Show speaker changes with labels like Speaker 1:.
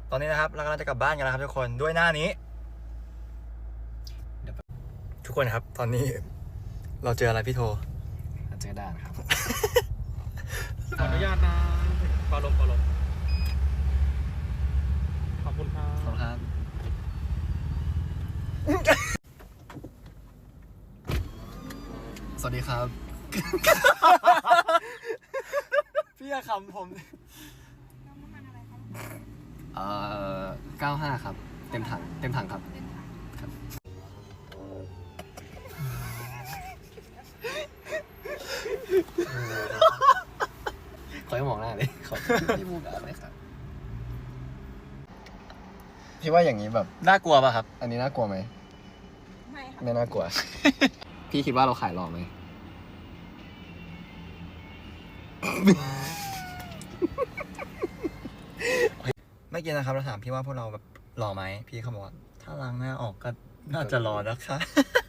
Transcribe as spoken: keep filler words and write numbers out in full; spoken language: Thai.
Speaker 1: ตอนนี้นะครับเรากำลังจะกลับบ้านกันแล้วครับทุกคนด้วยหน้านี้ทุกคนครับตอนนี้เราเจออะไรพี่โท
Speaker 2: เจอด่านครับ
Speaker 3: ขออนุญาตนะปาลมปาลมขอบคุณครับ
Speaker 2: ขอบคุณครับสวัสดีครับ
Speaker 1: พี่จะขำผม
Speaker 2: เอ่อเก้าห้าครับเต็มถังเต็มถังครับครับขอให้มองหน้าเลยขอพี่มูกอะไรครับพี่ว่าอย่างนี้แบบ
Speaker 1: น่ากลัวป่ะครับ
Speaker 2: อันนี้น่ากลัวไหม
Speaker 4: ไม่ค่ะ
Speaker 2: ไม่น่ากลัว พี่คิดว่าเราขายหล่อไหม
Speaker 1: เมื่อกี้นะครับเราถามพี่ว่าพวกเราแบบหล่อไหมพี่เขาบอกว่าถ้าล้างหน้าออกก็น่าจะหล่อนะคะ